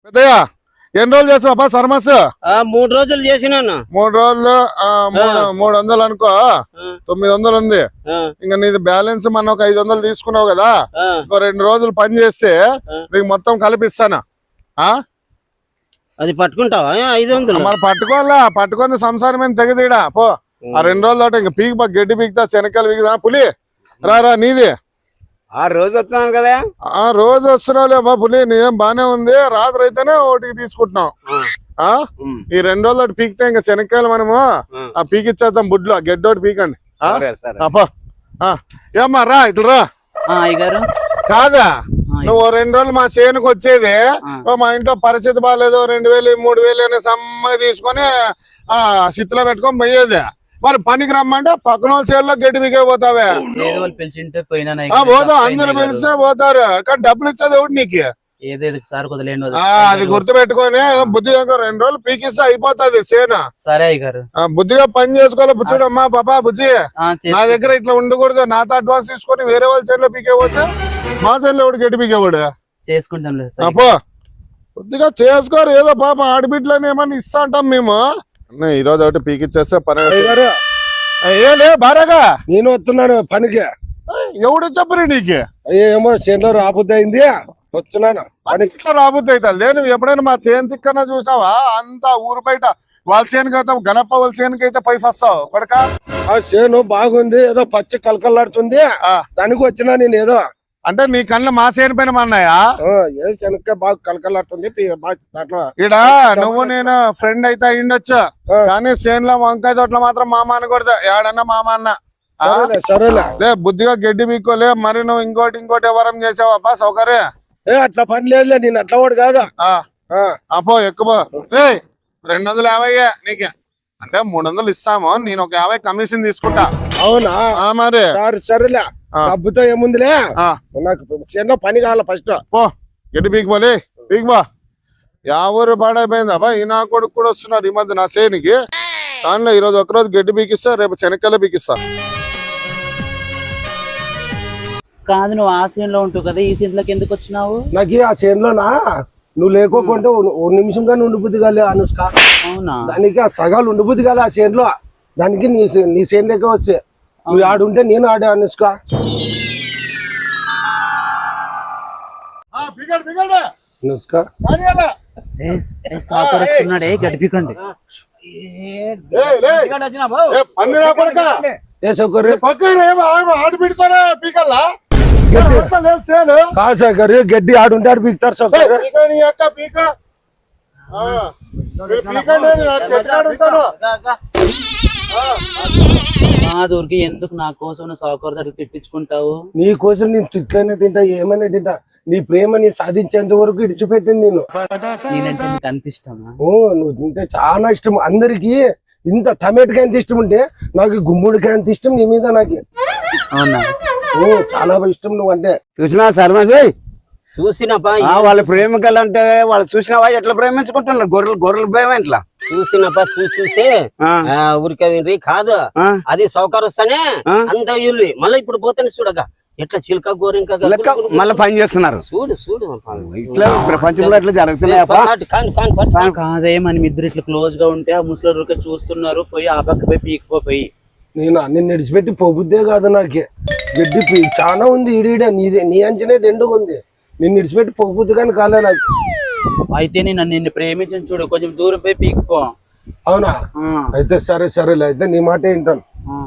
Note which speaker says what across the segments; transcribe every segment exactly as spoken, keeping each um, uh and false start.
Speaker 1: పెద్దయ్యా ఎన్ని రోజులు చేసావా సర్మస్?
Speaker 2: మూడు రోజులు చేసినాను.
Speaker 1: మూడు రోజులు మూడు వందలు అనుకో, తొమ్మిది వందలు ఉంది. ఇంకా నీది బ్యాలెన్స్ మన ఒక ఐదు వందలు తీసుకున్నావు కదా, ఇంకో రెండు రోజులు పని చేస్తే నీకు మొత్తం కలిపిస్తాను.
Speaker 2: అది పట్టుకుంటావా ఐదు వందలు?
Speaker 1: మరి పట్టుకోవాలా, పట్టుకుంది సంసారం ఏం తెగదీడా పో. ఆ రెండు రోజులు తోట ఇంకా పీకి గడ్డి పీకుతా, శనక్కాయలు పీకుతా. పులి రారా నీది
Speaker 2: ఆ రోజు వస్తున్నాను కదా.
Speaker 1: ఆ రోజు వస్తున్నావులే బా పులి, నీదేం బానే ఉంది. రాత్రి అయితేనే ఒకటికి తీసుకుంటున్నాం. ఆ ఈ రెండు రోజులు ఒకటి పీకితే ఇంకా శనక్కాయలు మనము ఆ పీకిచ్చేద్దాం బుడ్లో. గడ్డి ఒకటి పీకండి. ఏమ్మా రా ఇట్లా రా. కాదా నువ్వు రెండు రోజులు మా చేనుకు వచ్చేది, మా ఇంట్లో పరిస్థితి బాగాలేదు, రెండు వేలు మూడు వేలు అనే సమ్మ తీసుకొని ఆ సిత్తులో పెట్టుకొని పోయేది. మరి పనికి రమ్మంటే పక్కన వాళ్ళ చేనులో గడ్డి పీకే పోతావే. పోతావు, అందరు పిలిస్తే పోతారు, కానీ డబ్బులు ఇచ్చేది ఎవడు నీకు? అది గుర్తు పెట్టుకొని బుద్ధిగా రెండు రోజులు పీకిస్తే అయిపోతుంది చేను.
Speaker 3: సరే గారు
Speaker 1: బుద్ధిగా పని చేసుకోవాలి. బుచ్చుడమ్మా పాపా బుజ్జి, నా దగ్గర ఇట్లా ఉండకూడదు. నాతో అడ్వాన్స్ తీసుకొని వేరే వాళ్ళ చేనులో పీకే పోతే మా చేనులో ఎవడు గడ్డి పీకేవాడు?
Speaker 3: చేసుకుంటాం
Speaker 1: అప్పో బుద్ధిగా చేసుకోరు. ఏదో పాప ఆడబిడ్డలని ఏమన్నా ఇస్తా అంటాం మేము. ఈ రోజు ఒకటి పీకిచ్చేస్తే పని. ఏలే బారాగా
Speaker 4: నేను వస్తున్నాను పనికి.
Speaker 1: ఎవడు చెప్పరు నీకు?
Speaker 4: ఏమో చేనులో రాబుద్ది అయింది, వస్తున్నాను పనికి.
Speaker 1: రాబుద్ది అవుతుంది. నువ్వు ఎప్పుడైనా మా చేను తిక్కన చూసినావా? అంతా ఊరు బయట వాళ్ళ చేనుకి అయితే గణప వాళ్ళ చేనుకి అయితే పైసా వస్తావు కొడక.
Speaker 4: ఆ చేను బాగుంది, ఏదో పచ్చి కలకలాడుతుంది, దానికి వచ్చినా నేను. ఏదో
Speaker 1: అంటే నీ కళ్ళు మా చేను పైన మన్నాయా?
Speaker 4: ఏ శనక్కాయ బాగా కలకలాడుతుంది దాంట్లో.
Speaker 1: ఇడ నువ్వు నేను ఫ్రెండ్ అయితే అయ్యిండొచ్చు, కానీ చేనులో వంకాయ తోటలో మాత్రం మామ అనకూడదు. ఏడన్నా మామ అన్న.
Speaker 4: సరేలే
Speaker 1: లే బుద్ధిగా గడ్డి పీక్కోలే. మరి నువ్వు ఇంకోటి ఇంకోటి ఎవరం చేసావా సౌకర్యం?
Speaker 4: ఏ అట్లా పని లేదులే, నేను అట్లా వాడు కాదా.
Speaker 1: అపో ఎక్కువ రెండు వందలు యాభై నీకే అంటే మూడు వందలు ఇస్తాము. నేను ఒక యాభై కమిషన్ తీసుకుంటా.
Speaker 4: అవునా?
Speaker 1: మరి
Speaker 4: సరేలే, డబ్బుతో ఏముందిలే, నాకు చిన్న పని కావాలి ఫస్ట్.
Speaker 1: పో గడ్డి పీకిపోలే పీకిపో. యాభై పాడైపోయింది అబ్బా. ఈ నా కొడుకు కూడా వస్తున్నారు ఈ మధ్య నా చేనికి. దానిలో ఈరోజు ఒకరోజు గడ్డి పీకిస్తా, రేపు శనక్కాయలు పీకిస్తా.
Speaker 3: కాదు నువ్వు ఆ సీన్ లో ఉంటావు కదా, ఈ సీన్ లోకి ఎందుకు వచ్చినావు?
Speaker 4: నాకు ఆ చేనులోనా నువ్వు లేకోకుంటే ఓ నిమిషం కానీ ఉండిపోద్ది కాలే అనుష్క.
Speaker 3: అవునా?
Speaker 4: దానికి ఆ సగాలు ఉండిపోద్ది కాలే ఆ చేనులో. దానికి నీ నీ చేను లెక్క వచ్చే నువ్వు ఆడుంటే నేను ఆడే అనుష్క. అనుష్క
Speaker 3: సాకున్నాడే గడిపికండి.
Speaker 4: ఏ సౌకర్యం
Speaker 1: ఆడు పెడతారా పీకల్లా?
Speaker 4: కాదు సౌకర్యం, గడ్డి ఆడుంటే ఆడు పీకుతారు సౌకర్యం.
Speaker 3: కాదూరికి ఎందుకు నా కోసం సౌకర్యం దగ్గర తిట్టించుకుంటావు?
Speaker 4: నీ కోసం నేను తిట్లనే తింటా, ఏమైనా తింటా. నీ ప్రేమని సాధించేంత వరకు ఇడిచిపెట్టింది నేను.
Speaker 3: నేనంటే నీకు అంత ఇష్టమా?
Speaker 4: ఓ నువ్వు తింటే చాలా ఇష్టం. అందరికి ఇంత టమాటోకాయ ఎంత ఇష్టం ఉంటే నాకు గుమ్మడికాయ అంత ఇష్టం నీ మీద. నాకు
Speaker 3: అవునా?
Speaker 4: ఓ చాలా ఇష్టం నువ్వు అంటే.
Speaker 2: చూసినా సర్మస్ చూసినప్పా వాళ్ళ ప్రేమికలు అంటే వాళ్ళు చూసినావా ఎట్లా ప్రేమించుకుంటున్నారు? గొర్రెలు గొర్రెలు ప్రేమ ఎట్లా చూసినప్పా చూసి చూసి ఊరికే వినరి కాదు. అది సౌకర్యం వస్తానే అంత ఇల్లు మళ్ళీ ఇప్పుడు పోతానే చూడగా ఎట్లా చిలక గోరింక మళ్ళీ పని చేస్తున్నారు. చూడు చూడు ఇట్లా ప్రపంచంలో ఎట్లా జరుగుతున్నాయి.
Speaker 3: కాదే మనం ఇద్దరు ఇట్లా క్లోజ్ గా ఉంటే ఆ ముసలి చూస్తున్నారు, పోయి ఆ పక్క పోయి పీకిపోయి.
Speaker 4: నేను నిన్ను విడిచిపెట్టి పోబుద్దే కాదు నాకు. గడ్డి చాలా ఉంది ఈడీడ, నీదే నీ అంచనే దండుగా ఉంది. నిన్ను విడిచిపెట్టి పోబుద్ది కానీ కాలే నాకు.
Speaker 3: అయితే నేను నిన్ను ప్రేమించను చూడు, కొంచెం దూరం పోయి పీకిపో.
Speaker 4: అవునా? అయితే సరే సరేలే, అయితే నీ మాట వింటాను.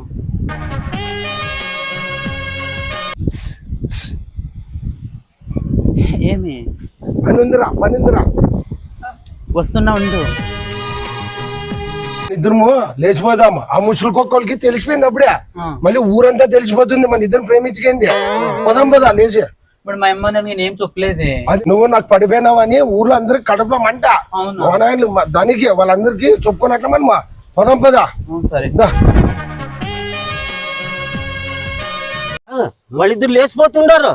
Speaker 3: ఏమి
Speaker 4: పని ఉందిరా పని ఉందిరా
Speaker 3: వస్తున్నా ఉండు.
Speaker 4: ఇద్దరు లేచిపోదాం. ఆ ముసలి కుక్కలకి తెలిసిపోయింది అప్పుడే, మళ్ళీ ఊరంతా తెలిసిపోతుంది మన ఇద్దరు ప్రేమించుకుంది. పోదాం పదా లేచి.
Speaker 3: ఇప్పుడు మా అమ్మ నేనేం చెప్పలేదే.
Speaker 4: అది నువ్వు నాకు పడిపోయినావని ఊర్లో అందరికి కడుపులో మంట. దానికి వాళ్ళందరికి చెప్పుకున్నట్లు మనమా. పోదాం పదా.
Speaker 3: సరే
Speaker 2: వాళ్ళిద్దరు లేచిపోతుండారు.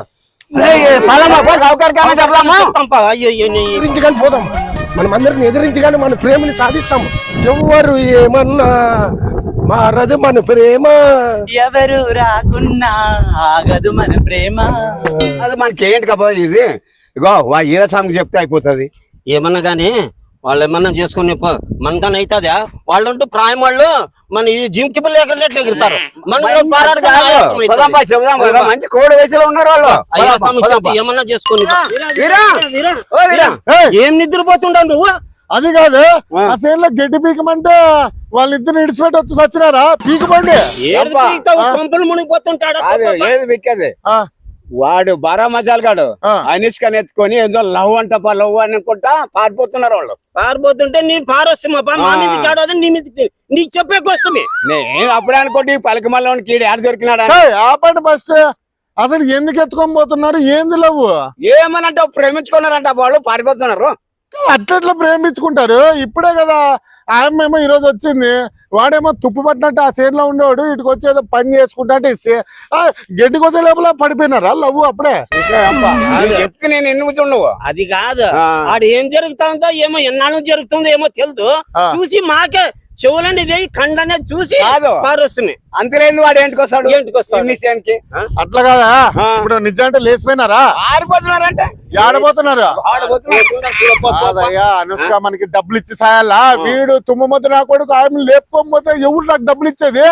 Speaker 4: పోదాం మనం అందరికి ఎదిరించి కానీ మన ప్రేమని సాధిస్తాము. ఎవరు ఏమన్నా మారదు మన ప్రేమ,
Speaker 3: ఎవరు రాకున్నా ఆగదు మన ప్రేమ.
Speaker 5: అది మనకి ఏంటి కాబట్టి ఇది ఇగో ఈరస్వామికి చెప్తే అయిపోతుంది.
Speaker 2: ఏమన్నా గానీ వాళ్ళు ఏమన్నా చేసుకుని మనకన్నా అవుతుందా వాళ్ళంటూ ప్రాయం వాళ్ళు మన ఈ జిమ్ కి ఎక్కడ ఎగురుతారు మంచి కోడి వయసులో ఉన్నారు వాళ్ళు ఏమన్నా చేసుకుని ఏం నిద్రపోతుండవు నువ్వు
Speaker 1: అది కాదు ఆ సేన్ లో గడ్డి పీకమంటే వాళ్ళిద్దరు ఇడిచిపెట్టి వచ్చి సచ్చినారా పీకమండి
Speaker 2: కొంపలు మునిగిపోతుంటాడు
Speaker 5: ఏది విక్కేది వాడు బారా మజాలు గాడు అనిష్క ఎత్తుకొని ఏదో లవ్ అంట లవ్ అనుకుంటా పారిపోతున్నారు వాళ్ళు.
Speaker 2: పారిపోతుంటే నీ పారొస్తామా మా మీద కాడు అది నీ మీద నీకు చెప్పే కోసమే
Speaker 5: నేను అప్పుడే అనుకోండి పలక మళ్ళీ కీడు ఆడ దొరికినాడు
Speaker 1: ఆపండి ఫస్ట్. అసలు ఎందుకు ఎత్తుకొని పోతున్నారు? ఏంది లవ్?
Speaker 5: ఏమనంటే ప్రేమించుకున్నారంట వాళ్ళు పారిపోతున్నారు.
Speaker 1: అట్లట్లా ప్రేమించుకుంటారు. ఇప్పుడే కదా ఆమెమో ఈ రోజు వచ్చింది, వాడేమో తుప్పు పట్టినట్టు ఆ సేన్ లో ఉండేవాడు ఇటుకు వచ్చి ఏదో పని చేసుకుంటా ఇస్తే గడ్డికి వచ్చే లోపల పడిపోయినారా లవ్ అప్పుడే?
Speaker 5: చెప్తే నేను ఎన్నుకు నువ్వు
Speaker 2: అది కాదు ఆడు ఏం జరుగుతుందో ఏమో ఎన్నాళ్ళు జరుగుతుందో ఏమో తెలుదు చూసి మాకే చెవులని ఇదే కండనే చూసి పారొస్తుంది.
Speaker 5: అంతలేదు వాడు ఏంటికి వస్తాడు
Speaker 2: ఏంటికి వస్తాడు
Speaker 1: అట్లా కాదా? ఇప్పుడు నిజంటే లేచిపోయినారా?
Speaker 5: ఆరిపోతున్నారంటే
Speaker 1: ఆడబోతున్నారు. అనుష్క మనకి డబ్బులు ఇచ్చి సాయాలా? వీడు తుమ్మపోతే నా కొడుకు ఆమె లేపుకోకపోతే ఎవరు నాకు డబ్బులు ఇచ్చేది?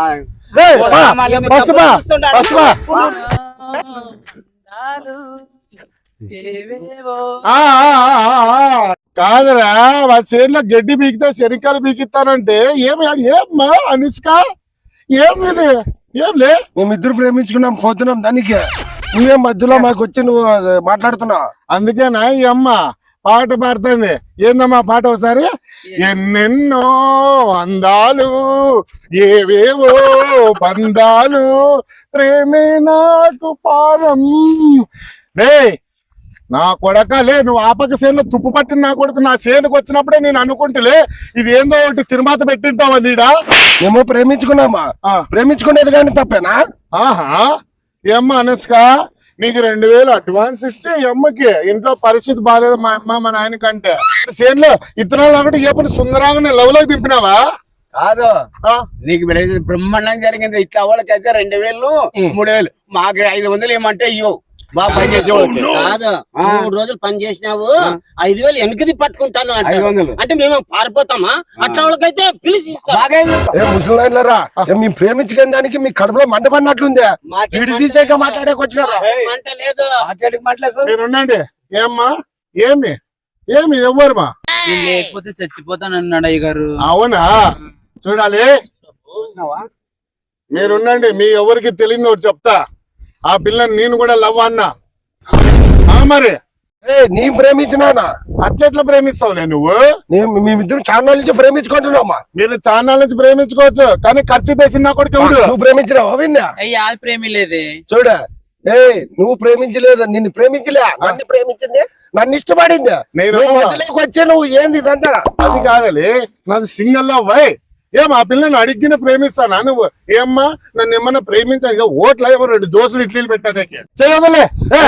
Speaker 1: కాదరా వాళ్ళ చేనులో గడ్డి బీకితే శనికాలు బీకిస్తానంటే ఏమి ఏమ్మా అనుష్క ఏమి ఇది? ఏం లే
Speaker 4: మేమిద్దరు ప్రేమించుకున్నాం పోతున్నాం దానికి నువ్వేం మధ్యలో మాకు వచ్చి నువ్వు మాట్లాడుతున్నావు.
Speaker 1: అందుకేనా ఈ అమ్మ పాట పాడుతుంది. ఏందమ్మా పాట ఒకసారి? ఎన్నెన్నో అందాలు ఏవేవో బంధాలు ప్రేమే నాకు పారం. రే నా కొడకలే నువ్వు ఆపక సేనులో తుప్పు పట్టిన నా కొడుకు నా సేనుకు వచ్చినప్పుడే నేను అనుకుంటులే ఇది ఏందో ఒకటి తిరుమాత పెట్టింటావా నీడా?
Speaker 4: ఏమో ప్రేమించుకున్నామా? ప్రేమించుకునేది కానీ తప్పేనా?
Speaker 1: ఆహా ఏమ్మా అనుష్క నీకు రెండు వేలు అడ్వాన్స్ ఇచ్చి అమ్మకి ఇంట్లో పరిస్థితి బాగాలేదు మా అమ్మ మా నాయన కంటే సేన్లో ఇతనాలు ఒకటి ఏ పని సుందరంగానే లవ్ లోకి దింపినావా?
Speaker 5: కాదు నీకు బ్రహ్మాండంగా జరిగింది. ఇట్లా వాళ్ళకైతే రెండు వేలు మూడు వేలు మాకు ఐదు వందలు ఏమంటే ఇవ్వవు. బాగా పని చేసేవాళ్ళకి
Speaker 2: కాదు మూడు రోజులు పని చేసినావు ఐదు వేలు వెనకది పట్టుకుంటాను అంటే మేము పారిపోతామా? అట్లా వాళ్ళకైతే పిలిచి
Speaker 4: ముసలారా మేము ప్రేమించుకునే దానికి మీ కడుపులో మంట పడినట్లుందే. విడి తీసాక మాట్లాడేకి వచ్చినారా?
Speaker 1: మీరుండండి. ఏమ్మా ఏమి ఏమి ఎవ్వరుమా
Speaker 3: లేకపోతే చచ్చిపోతాను అన్నాడు అయ్య గారు.
Speaker 1: అవునా? చూడాలి మీరుండండి. మీ ఎవరికి తెలియదు ఒకటి చెప్తా. ఆ పిల్లని నేను కూడా లవ్ అన్నా మరి
Speaker 4: నీ ప్రేమించినానా?
Speaker 1: అట్లెట్లా ప్రేమిస్తావులే నువ్వు?
Speaker 4: మేమిద్దరు చాలా నుంచి ప్రేమించుకుంటున్నామా?
Speaker 1: మీరు చాలా నుంచి ప్రేమించుకోవచ్చు కానీ ఖర్చు పేసిన కొడుకు ఎవడు?
Speaker 4: నువ్వు ప్రేమించినావా? విన్నా
Speaker 3: అయ్యా ప్రేమి లేదే.
Speaker 4: చూడ ఏ నువ్వు ప్రేమించలేదు నిన్ను ప్రేమించలే నన్ను ప్రేమించింది నన్ను ఇష్టపడింది.
Speaker 1: నేను
Speaker 4: వచ్చే నువ్వు ఏంది ఇదంతా?
Speaker 1: అది కాదలే నాది సింగల్ లవ్. వై ఏం ఆ పిల్లని అడిగిన ప్రేమిస్తానా నువ్వు? ఏమ్మా నన్ను ఏమన్నా ప్రేమించాను ఓట్ల ఏమో రెండు దోశలు ఇడ్లీలు పెట్టానే చేయవదలే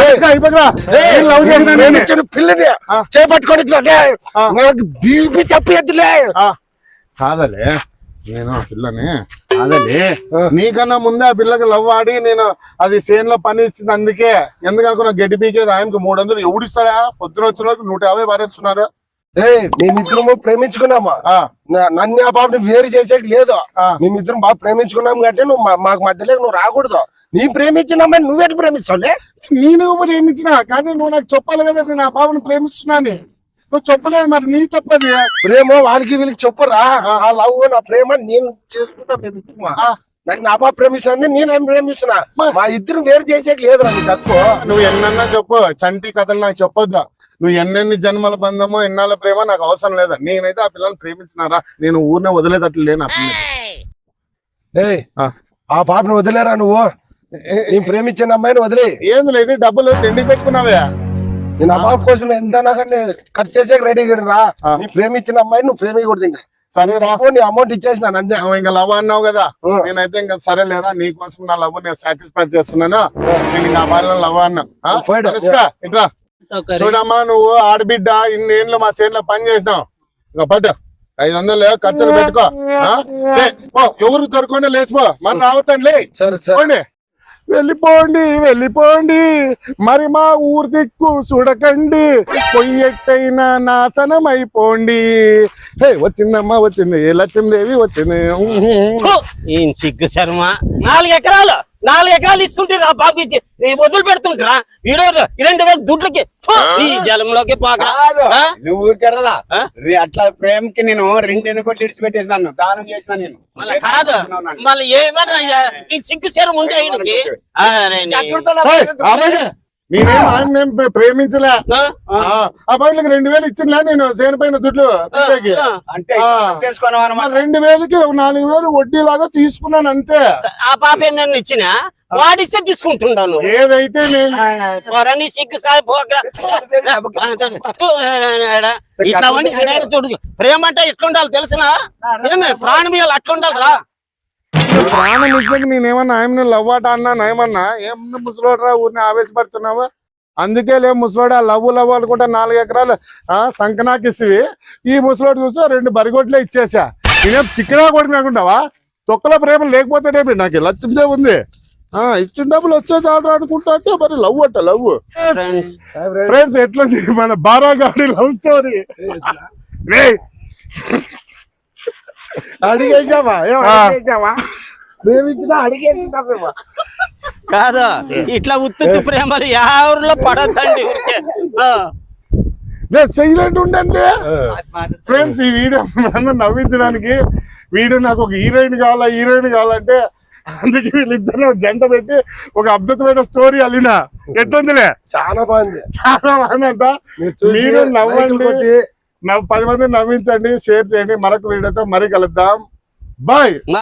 Speaker 4: పిల్లని చేపట్టుకొని బీపీ తప్పేద్దులే.
Speaker 1: కాదలే నేను ఆ పిల్లని కాదలే నీకన్నా ముందే ఆ పిల్లకి లవ్ ఆడి నేను అది సేన్ లో పని ఇచ్చింది. అందుకే ఎందుకనుకున్నా గడ్డి పీకేది ఆయనకు మూడు వందలు ఎవడిస్తాడా? పొద్దున వచ్చిన వరకు నూట యాభై పారేస్తున్నారు.
Speaker 4: ఏ మేమిద్దరము ప్రేమించుకున్నామా? నన్ను ఆ పాపని వేరు చేసేకి లేదు. మేమిద్దరం బాగా ప్రేమించుకున్నాం కాబట్టి నువ్వు మాకు మధ్యలో నువ్వు రాకూడదు. నీ ప్రేమించినామని నువ్వెటు ప్రేమిస్తావులే?
Speaker 1: నేను ప్రేమించినా కానీ నువ్వు నాకు చెప్పాలి కదా నేను ఆ పాపను ప్రేమిస్తున్నాను. నువ్వు చెప్పలేదు మరి నీ తప్పది.
Speaker 4: ప్రేమ వాళ్ళకి వీళ్ళకి చెప్పురా ఆ లవ్ నా ప్రేమ నేను చేసుకుంటా. మేమిద్దరమా నన్ను ఆ పాప ప్రేమిస్తుంది నేను ప్రేమిస్తున్నా. మా ఇద్దరు వేరు చేసేకి లేదు నీకు తక్కువ.
Speaker 1: నువ్వు ఎన్నన్నా చెప్పు చంటి కథలు నాకు చెప్పొద్దా. నువ్వు ఎన్నెన్ని జన్మల బంధమో ఎన్నాళ్ళ ప్రేమ నాకు అవసరం లేదా. నేనైతే ఆ పిల్లల్ని ప్రేమించినారా నేను ఊరినే వదిలేదట్లు లేను. ఆ పిల్ల
Speaker 4: ఆ పాపను వదిలేరా నువ్వు? నేను ప్రేమించిన అమ్మాయిని వదిలే.
Speaker 1: ఏంది లేదు డబ్బులు తిండి పెట్టుకున్నావే.
Speaker 4: నేను ఆ పాప కోసం ఎంత ఖర్చు చేసే రెడీ రా. నీ ప్రేమించిన అమ్మాయిని నువ్వు ప్రేమికూడదు. ఇంకా
Speaker 1: సరే
Speaker 4: నీ అమౌంట్ ఇచ్చేసిన అంతే.
Speaker 1: ఇంకా లవ్ అన్నావు కదా నేనైతే ఇంకా సరే లేదా నీ కోసం నా లవ్ నేను సాటిస్ఫై చేస్తున్నాను. నేను ఇంకా అమ్మాయిలో లవ్ అన్నా. ఇట్లా చూడమ్మా నువ్వు ఆడబిడ్డ ఇన్నేళ్ళు మా చేనులో పని చేసినావు. ఇంకా పట్టు ఐదు వందలు ఖర్చులు పెట్టుకో. ఎవరు దొరకకుండా లేచిపో మరి రావద్దండి. వెళ్ళిపోండి వెళ్ళిపోండి మరి మా ఊరు దిక్కు చూడకండి పొయ్యెట్టైనా నాశనం అయిపోండి. హే వచ్చిందమ్మా వచ్చింది లక్ష్మీదేవి వచ్చింది.
Speaker 2: ఏం సిగ్గు శర్మ, నాలుగు ఎకరాలు నాలుగు ఎకరాలు ఇస్తుంటారా బాబు, ఇచ్చి వదిలి పెడుతుంటారా వీడు రెండు వేల దుడ్లకి ఈ జలంలోకి పోక
Speaker 5: నువ్వు ఊరికెర్రదా అట్లా ప్రేమకి నేను రెండు ఎన్ని కోట్లు ఇడిచిపెట్టేసినాను, దానం చేసిన నేను.
Speaker 2: మళ్ళీ కాదు మళ్ళీ ఏమన్నా నీకు సిగ్గు శరం ఉంది ఆయనకి.
Speaker 1: నేనేం ఆయన ప్రేమించలే. అబ్బాయిలకి రెండు వేలు ఇచ్చిందిలే నేను చేనిపోయిన దుడ్లు
Speaker 5: అంటే
Speaker 1: రెండు వేలకి నాలుగు వేలు వడ్డీ లాగా తీసుకున్నాను అంతే.
Speaker 2: ఆ పాప నన్ను ఇచ్చిన వాడిస్తే తీసుకుంటున్నాను.
Speaker 1: ఏదైతే నేను
Speaker 2: సిగ్గు సార్ ఇట్లా చూడు, ప్రేమ అంటే ఎట్లుండాలి తెలిసిన ప్రాణం ఇవ్వాలి అట్లుండాలి రా.
Speaker 1: ప్రాణం ఇచ్చాక నేనేమన్నా ఆయన లవ్ ఆట అన్నా ఏమన్నా ఏమన్నా ముసలోడరా ఊరిని ఆవేశపడుతున్నావా? అందుకే లే ముసలోడు ఆ లవ్ లవ్ అనుకుంటా నాలుగు ఎకరాలు ఆ సంకనాకిసివి ఈ ముసలోడు చూసి రెండు బరిగొడ్లే ఇచ్చేసా. నేనేం తిక్కనా కొడుకున్నాకుంటావా? తొక్కల ప్రేమ లేకపోతేనేమి నాకు లక్ష్మీదే ఉంది. ఆ ఇచ్చిన డబ్బులు వచ్చే చాలు అనుకుంటా అంటే మరి లవ్ అట్ట లవ్. ఫ్రెండ్స్ ఎట్లుంది మన బారాగాడి లవ్ స్టోరీ? అడిగేసావా ప్రేమించినా అడిగేసినామేమో
Speaker 2: కాదా? ఇట్లా ఉత్తు ప్రేమలు ఎవరిలో పడద్దండి.
Speaker 1: సైలెంట్ ఉండండి ఫ్రెండ్స్. ఈ వీడియో అందరూ నవ్వించడానికి వీడియో నాకు ఒక హీరోయిన్ కావాలా హీరోయిన్ కావాలంటే అందుకే వీళ్ళిద్దరు జంట పెట్టి ఒక అద్భుతమైన స్టోరీ అల్లిన. ఎట్లుందిలే?
Speaker 4: చాలా బాగుంది,
Speaker 1: చాలా బాగుందంట. మీరు నవ్వండి, పది మంది నవ్వించండి, షేర్ చేయండి. మరొక వీడియోతో మరి కలుద్దాం. బాయ్.